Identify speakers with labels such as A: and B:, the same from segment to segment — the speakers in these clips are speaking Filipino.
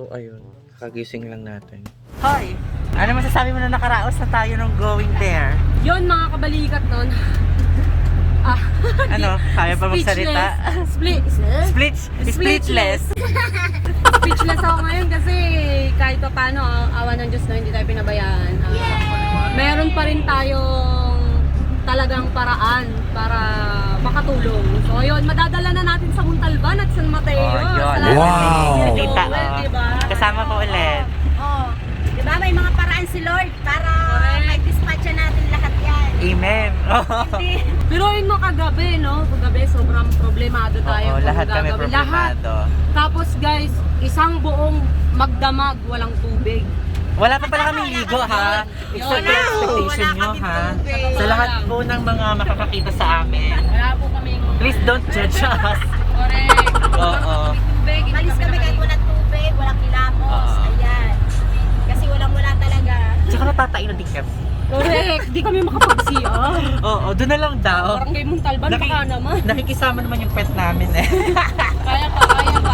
A: ayun. Kagising lang natin.
B: Hoy! Ano masasabi mo na nakaraos na tayo nung going there?
C: Yon mga kabalikat nun.
B: Ano? Kaya pa magsalita? Splitless.
C: Speechless ako ngayon kasi kahit pa paano, awa ng Diyos na hindi tayo pinabayaan. Meron pa rin tayong talagang paraan para makatulong. So yun, madadala na natin sa Montalban at San Mateo.
B: Oh, yun.
C: Salamat
B: Tita,
C: diba?
B: kasama ko ulit.
D: Diba may mga paraan si Lord para mag-dispatcha natin lahat yan.
B: Amen.
C: Biruin mo kagabi, no? Kagabi, sobrang problemado tayo.
B: Oo, lahat kami
C: Lahat.
B: problemado.
C: Tapos guys, isang buong magdamag, walang tubig.
B: Wala pa pala kami ligo ha. Except your expectation nyo ha. Sa lahat po ng mga makakakita sa amin.
C: Wala po kaming...
B: Please don't judge us.
C: Correct.
B: Oo.
C: Tubig.
D: Malis kami kahit walang tubig, walang kilamos. Ayan. Kasi walang-wala talaga.
B: Tsaka natatain na din kami.
C: Correct. Di kami makapag-CR.
B: Oo, doon na lang daw.
C: Parang kay Montalban, baka naman.
B: Nakikisama naman yung pet namin eh.
C: Kaya pa, kaya pa.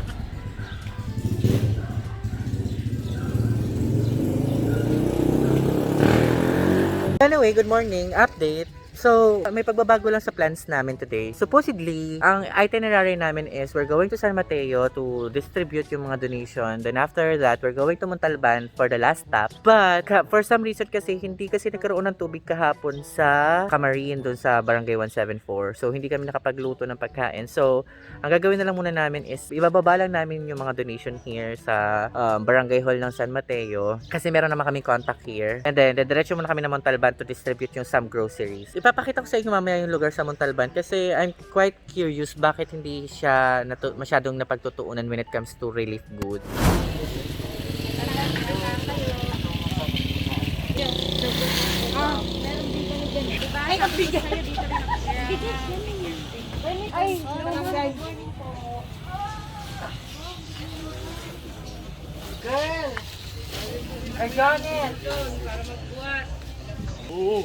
B: Anyway, good morning. Update. So, may pagbabago lang sa plans namin today. Supposedly, ang itinerary namin is we're going to San Mateo to distribute yung mga donation. Then after that, we're going to Montalban for the last stop. But for some reason kasi, hindi kasi nagkaroon ng tubig kahapon sa Camarin doon sa Barangay 174. So, hindi kami nakapagluto ng pagkain. So, ang gagawin na lang muna namin is ibababa lang namin yung mga donation here sa Barangay Hall ng San Mateo. Kasi meron naman kaming contact here. And then, diretso muna kami ng Montalban to distribute yung some groceries. Ipapakita ko sa inyo mamaya yung lugar sa Montalban kasi I'm quite curious bakit hindi siya masyadong napagtutuunan when it comes to relief goods.
D: Ay, nagbigay. Ay, guys.
B: Girl! I got it! Oo.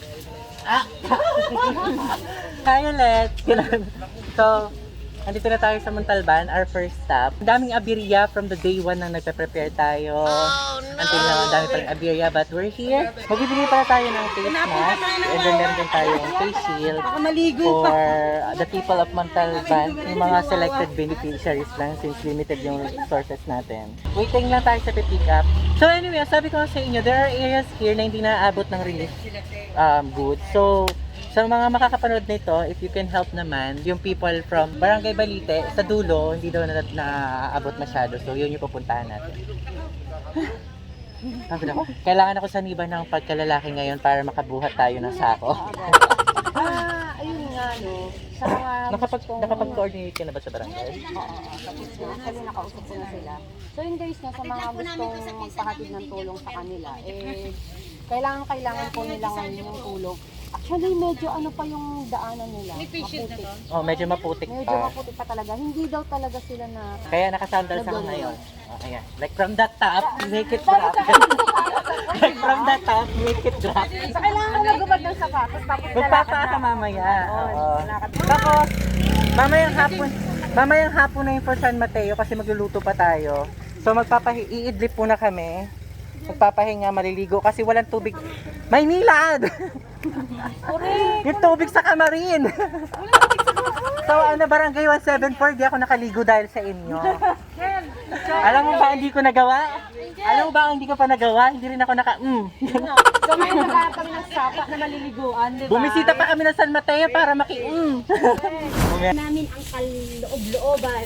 B: Hi ulit! So, andito na tayo sa Montalban, our first stop. Ang daming abirya from the day 1 nang nagpe-prepare tayo. Until now, ang dami pa rin abirya, but we're here. Magbibigay pala tayo ng face mask. And then meron din tayong face shield for the people of Montalban. Yung mga selected beneficiaries lang since limited yung resources natin. Waiting lang tayo sa pick up. So anyway, sabi ko sa inyo, there are areas here na hindi naaabot ng relief goods. So, sa mga makakapanood nito, if you can help naman, yung people from Barangay Balite, sa dulo, hindi daw naaabot masyado. So, yun yung pupuntahan natin. Pagod ako. Kailangan ako saniban ng pagkalalaki ngayon para makabuhat tayo ng sako.
D: Ayun nga, no. Sa mga
B: Nakapag-coordinate ka na ba sa barangay?
D: Actually, nakausap ko na sila. So yun guys, no, sa mga gustong magpahatid ng tulong sa kanila, kailangan po nila ngayon yung tulong. Actually, medyo ano pa yung daanan nila. Maputik.
B: Oh, medyo maputik
D: Medyo
B: pa.
D: maputik pa talaga. Hindi daw talaga sila na...
B: Kaya nakasandals ako ngayon. Oh, ayan. Like from the top, make it drop. Like from the top, make it drop.
D: So, kailangan mo magubad ng sapatos, tapos
B: Magpapaa ka mamaya. Oo. Tapos, mamayang hapon na yung for San Mateo kasi magluluto pa tayo. So, iidlip muna kami. Magpapahinga, maliligo kasi walang tubig. Maynilad! Yung tubig sa Camarin! So, Barangay 174, di ako nakaligo dahil sa inyo. Alam mo ba hindi ko nagawa? Alam mo ba hindi ko pa nagawa? Hindi rin ako
D: So, may nagkaroon kami ng sapa na maliliguan, di ba?
B: Bumisita pa kami ng San Mateo para
D: Namin ang kaloob-looban.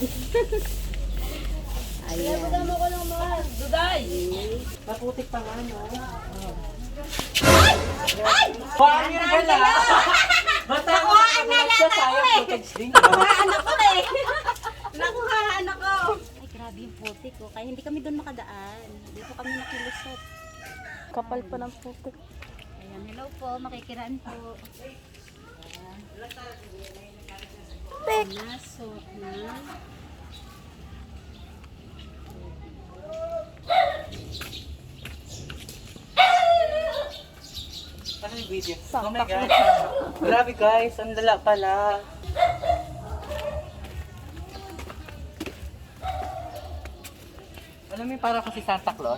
D: Ayan. Magamo ko ng mga duday.
B: Maputik pa nga, no?
D: Ay!
B: Paano na pala?
D: Nakuhaan na lang ako eh! Nakuhaan ako eh! Nakuhaan ako! Ay, grabe yung putik ko. Kaya hindi kami doon makadaan. Dito kami nakilusot.
C: Kapal pa ng putik.
D: Ayan, hello po. Makikiraan po. Putik! Naso na.
B: Ano yung video? Oh my God. Grabe guys, ang lala pala. Alam mo, para kasi Santa Claus.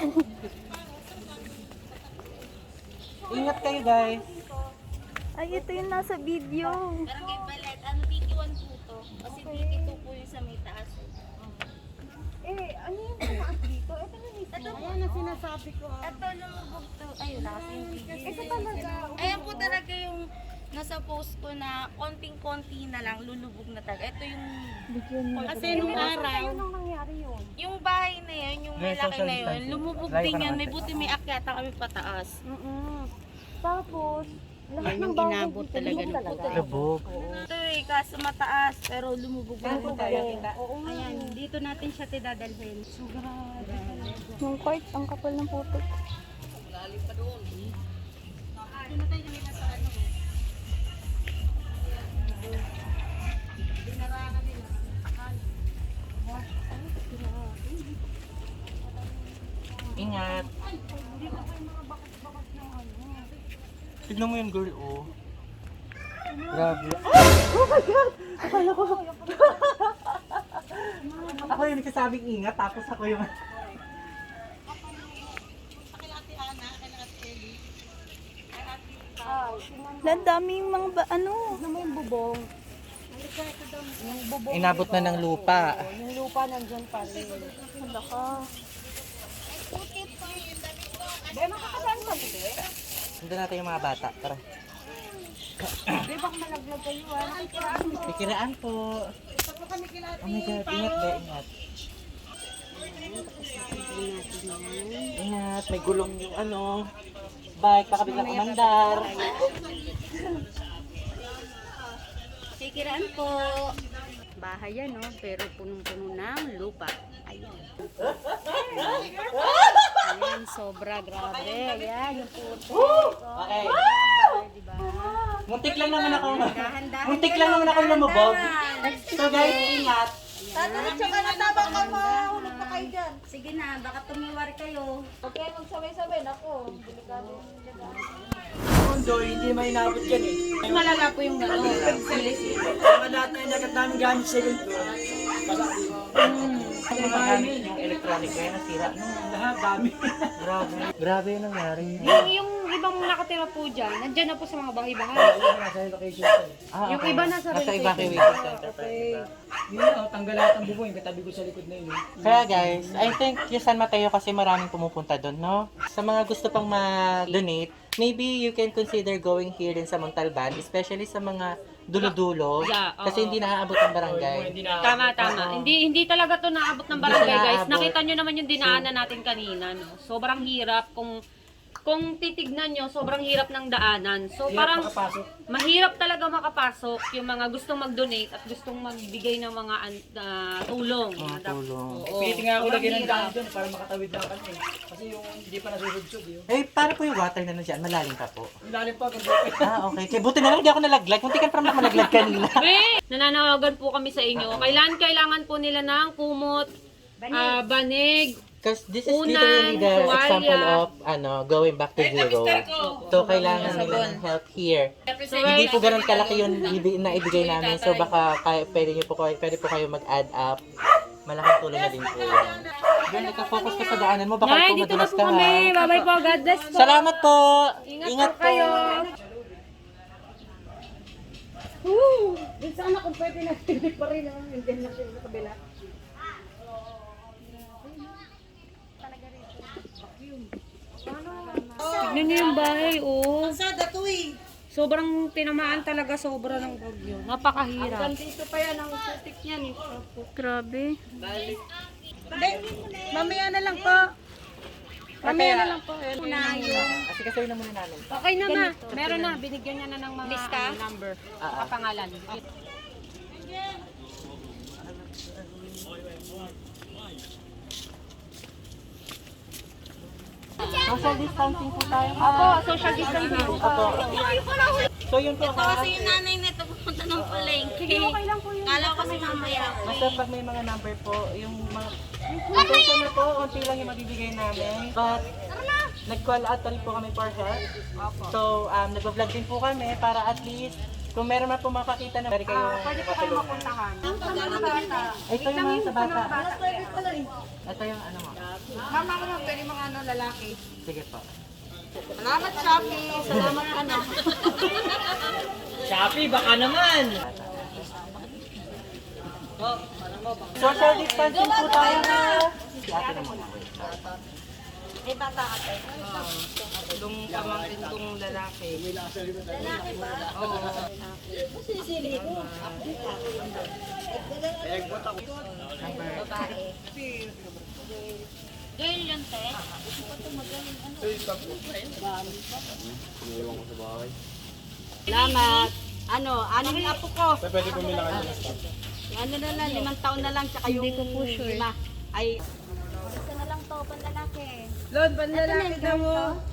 B: Ingat kayo, guys.
E: Ay, ito yung nasa video.
F: Barangay Balet, ano, BT1 po to. Kasi BT2 po yung sa may taas.
E: Eh, ano yung tumaas dito? Ito na mismo.
F: Ayan ang sinasabi ko. Ito lumubog to. Ayun, nasa yung video.
E: Ito talaga.
F: Ayan po talaga yung nasa post ko na konting-konti na lang, lulubog na talaga. Ito yung... Kasi nung araw,
E: Anong nangyari yun?
F: yung bahay na yun, yung
B: May
F: malaki
B: social
F: na yun,
B: distancing.
F: lumubog
B: Layo
F: din
B: ka
F: yan.
B: naman,
F: May
B: sir.
F: buti may akyata kami pataas.
E: Tapos, lahat
F: Yan
E: ng
F: yung
E: bahay
F: inabot
E: dito,
F: talaga
E: lubog
F: ng
E: talaga.
B: Lubog.
F: Ito eh, kaso mataas, pero lumubog na po tayo.
E: Oo nga.
F: Ayan, dito natin siya tidadalhin.
E: Yung court, ang kapal ng putik.
B: Ingat. Tignan mo yun, girl, oh. Grabe. Oh my God! Akala ko. Ako yung nagsasabing ingat, tapos ako yung...
E: Ang daming mga ano.
D: Ano mo yung bubong? Yung bubong,
B: Inabot na ng lupa.
D: yung lupa nandyan pa rin.
E: Wala ka.
D: Be, makakasaan ka mo, be?
B: Nandun natin yung mga bata. Tara.
D: Be, baka malaglag kayo, ah.
B: Pikiraan po. Oh my God, ingat ba? Ingat. Ingat, may gulong yung ano. Bike, baka biglang umandar.
F: Sikiraan po. Bahay yan, no? Pero punong-puno ng lupa. Ayan. Ayan, sobra. Grabe. Ayan, yung puto.
B: Okay.
F: Diba?
B: Muntik lang naman ako.
F: Dahan-dahan
B: Muntik
F: kayo,
B: lang naman ako lumubog.
F: dahan-dahan.
B: So guys, ingat.
F: Diretso ka na, tabang ka, mahulog pa kayo dyan. Sige na, baka tumiwari kayo.
E: Okay, magsabay-sabay. Nako, delikado.
G: Mundo, hindi may inabot yan eh.
F: Malala po yung gano'n.
G: Mga lahat na inagat namin gamit second floor.
B: Ano ba gamit yung electronic ko yan? Nasira.
G: Lahat dami.
B: Grabe. Grabe yung nangyari.
C: Yung ibang nakatira po dyan, nandyan na po sa mga bahay-bahay.
G: Nasa location ko eh.
B: Ah,
C: Yung iba nasa
B: Nasa
C: relocation.
B: evacuation center pa yung iba.
G: Yun na, tanggal lahat ang bubong. Yung katabi ko sa likod na yun.
B: Kaya guys, I think yung San Mateo kasi maraming pumupunta doon, no? Sa mga gusto pang ma-donate, maybe you can consider going here din sa Montalban, especially sa mga dulo-dulo.
C: Yeah, oo.
B: Kasi hindi naaabot ang barangay.
G: Hindi na.
C: Tama. Hindi talaga to naabot ng
B: Hindi
C: barangay,
B: siya
C: guys.
B: naabot.
C: Nakita nyo naman yung dinaanan natin kanina, no? Sobrang hirap kung titignan nyo, sobrang hirap ng daanan. So parang
G: Makapasok.
C: mahirap talaga makapasok yung mga gustong mag-donate at gustong magbigay ng mga tulong.
B: Mga tulong.
C: Oo.
G: Pilitin nga ako
C: Sobrang
G: lagyan ng
C: hirap.
G: daan doon para makatawid lang kami. Kasi yung hindi pa nasusudsog yun.
B: Eh, paano po yung water na nandiyan? Malalim pa po.
G: Ang lalim pa, kung
B: Ah, okay. Kaya buti na lang hindi ako nalaglag. Kunti ka parang malaglag kanina.
C: Be, nananawagan po kami sa inyo. Kailangan po nila ng kumot, banig,
B: Because this is
C: Unan,
B: literally the
C: tuwalya.
B: example of going back to zero. So, kailangan nila ng help here. Hindi po ganun kalaki yung na ibigay namin. So, baka pwede po kayo mag-add up. Malaking tulong na din po yan. Girl, ika-focus ka sa daanan mo. Baka
C: Nay,
B: po
C: dito na
B: madulas
C: po
B: ka ha.
C: kami. Bye-bye po. God bless po.
B: Salamat po.
C: Ingat po kayo.
D: Din sana kung pwede na hindi pa rin naman yung din na sila sa kabila.
C: Tignan niyo yung bahay, oh. Sobrang tinamaan talaga, sobra ng bagyo. Napakahirap.
D: Dito pa yan ang putik niyan.
C: Grabe.
E: Mamaya na lang po.
C: Mamaya na lang po.
B: Kasi kasi na muna namin.
C: Okay na ma. Meron na. Binigyan niya na ng mga number.
B: Ah, ah.
C: Kapangalan.
B: Social distancing po tayo.
C: Opo, social distancing.
B: Opo. So, yun po ha.
F: Kasi yung nanay nito pupunta ng palengke. Kala ko kasi mamaya.
B: Basta pag may mga number po, yung mga person na po, unti lang yung mabibigay namin. But, nag-call out rin po kami for help. So, nag-vlog din po kami para at least Kung meron man po makakita na, pwede kayo
E: Pwede po kayo mapuntahan.
B: Ito yung mga sa bata. Ito yung ano mo.
E: Mama ko naman, pwede mga ano, lalaki.
B: Sige po.
E: Salamat, Shopee. Salamat, ano.
G: Shopee, baka naman!
B: Social distancing po tayo na. Si ate na muna.
F: Eh, bata ka tayo.
E: Yung pamangkin kong lalaki.
F: Girl yun, te.
D: Salamat. Ano, anong apo ko? Pwede bumila ka ano na lang, 5 taon na lang, tsaka yung lima. Ay,
F: Gusto na lang to, panlalaki.
E: Lord, panlalaki daw mo.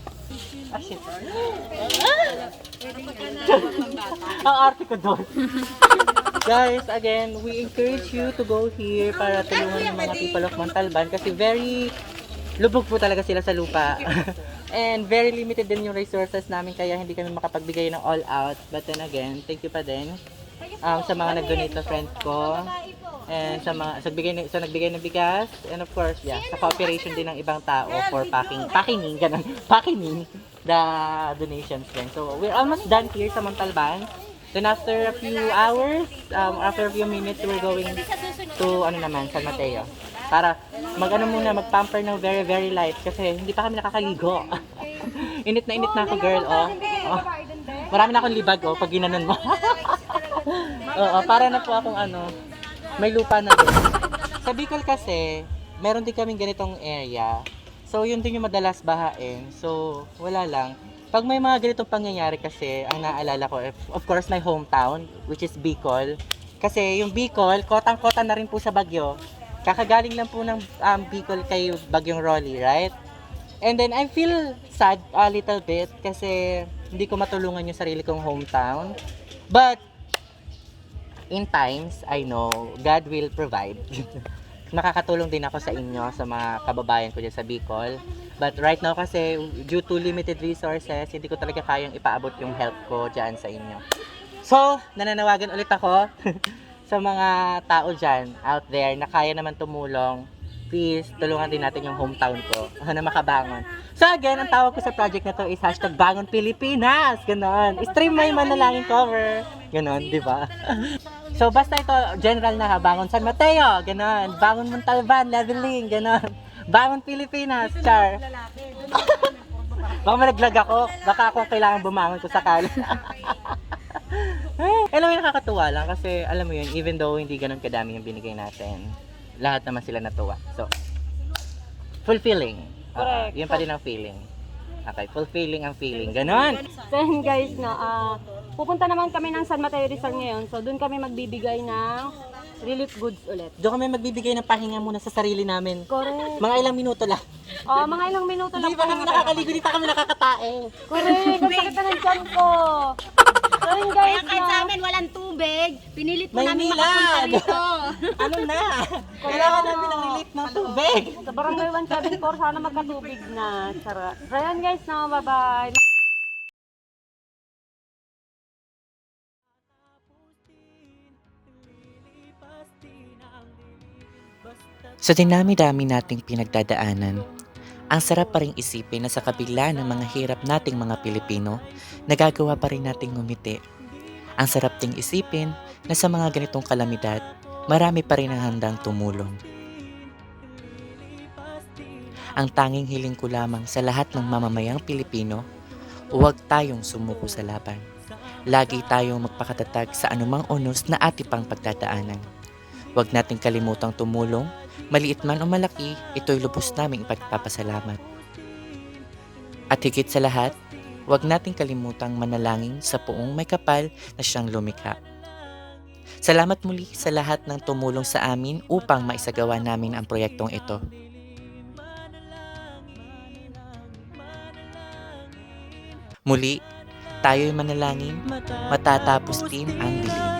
B: Ang arte ko doon. Guys, again, we encourage you to go here para tulungan yung mga people of Montalban kasi very lubog po talaga sila sa lupa. And very limited din yung resources namin kaya hindi kami makapagbigay ng all out. But then again, thank you pa din sa mga nag-donate na friends ko. And sa mga nagbigay ng bigas and of course, yeah, sa cooperation din ng ibang tao for packaging the donations din. So, we're almost done here sa Montalban. Then after a few hours, after a few minutes, we're going to San Mateo. Para mag-pamper ng very, very light kasi hindi pa kami nakakaligo. Init na ako, girl, oh. Marami na akong libag, oh, pag ginanon mo. Oo, para na po akong may lupa na din. Sa Bicol kasi, meron din kaming ganitong area. So, yun din yung madalas bahain. So, wala lang. Pag may mga ganitong pangyayari kasi, ang naalala ko, of course, my hometown, which is Bicol. Kasi yung Bicol, kotang-kota na rin po sa bagyo. Kakagaling lang po ng Bicol kay Bagyong Rolly, right? And then, I feel sad a little bit kasi hindi ko matulungan yung sarili kong hometown. But, in times, I know, God will provide. Nakakatulong din ako sa inyo, sa mga kababayan ko dyan sa Bicol. But right now kasi, due to limited resources, hindi ko talaga kayang ipaabot yung help ko dyan sa inyo. So, nananawagan ulit ako sa mga tao dyan, out there, na kaya naman tumulong. Please, tulungan din natin yung hometown ko na makabangon. So again, ang tawag ko sa project na to is #Bangon Pilipinas. Ganon. Stream may manalangin cover. Ganon, di ba? So basta ito, general na ha. Bangon San Mateo. Ganon. Bangon Montalban. Leveling. Ganon. Bangon Pilipinas. Char. Baka malaglag ako. Baka ako kailangan bumangon ko sakali. Alam mo yung nakakatuwa lang kasi alam mo yun, even though hindi ganun kadami yung binigay natin, lahat naman sila natuwa. So, fulfilling. Yun pa din ang feeling. Okay, fulfilling ang feeling. Ganon.
C: So yun guys, pupunta naman kami ng San Mateo Rizal ngayon. So doon kami magbibigay ng relief goods ulit.
B: Doon kami magbibigay ng pahinga muna sa sarili namin.
C: Correct.
B: Mga ilang minuto lang.
C: Mga ilang minuto lang.
B: Hindi pa kami nakakaligo, hindi pa kami nakakatae.
C: Correct. Ang sakit na ng tiyan ko. So yun
F: Kaya
C: guys,
F: kahit sa amin walang tubig, pinilit mo
B: May
F: namin
B: nilag.
F: makapunta rito.
B: Ano na? Kailangan namin ng relief ng tubig.
C: sa Barangay 174, sana magkatubig na. Sarap. So yun guys, bye-bye.
H: Sa dinami-dami nating pinagdadaanan, ang sarap pa rin isipin na sa kabila ng mga hirap nating mga Pilipino, nagagawa pa rin nating ngumiti. Ang sarap ding isipin na sa mga ganitong kalamidad, marami pa rin ang handang tumulong. Ang tanging hiling ko lamang sa lahat ng mamamayang Pilipino, huwag tayong sumuko sa laban. Lagi tayong magpakatatag sa anumang unos na ating pang pagdadaanan. Huwag nating kalimutang tumulong, maliit man o malaki, ito'y lubos naming ipagpapasalamat. At higit sa lahat, huwag nating kalimutang manalangin sa Poong may kapal na siyang lumikha. Salamat muli sa lahat ng tumulong sa amin upang maisagawa namin ang proyektong ito. Muli, tayo'y manalangin, matatapos din ang dilim.